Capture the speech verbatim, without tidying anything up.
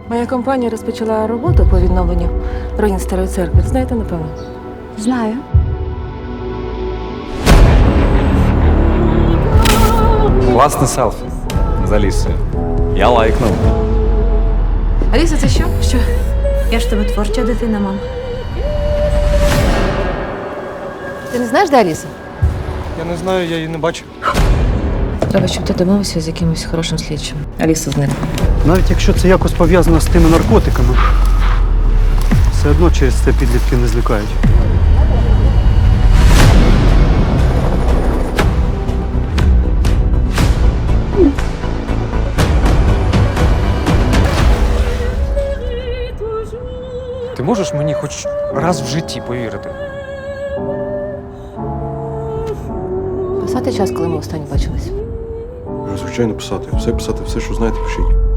Моя компанія розпочала роботу по відновленню руїн старої церкви. Знаєте, напевно? Знаю. Класне селфі з Алісою. Я лайкнув. Аліса, це що? Що? Я ж в тебе творча дитина, мам. Ти не знаєш, де Аліса? Я не знаю, я її не бачив. Треба, щоб ти домовився з якимось хорошим слідчим. Аліса зникла. Навіть якщо це якось пов'язано з тими наркотиками, все одно через це підлітки не злякають. Ти можеш мені хоч раз в житті повірити? Писати час, коли ми останнє бачились. Звичайно, писати. Все писати, все, що знаєте, пишіть.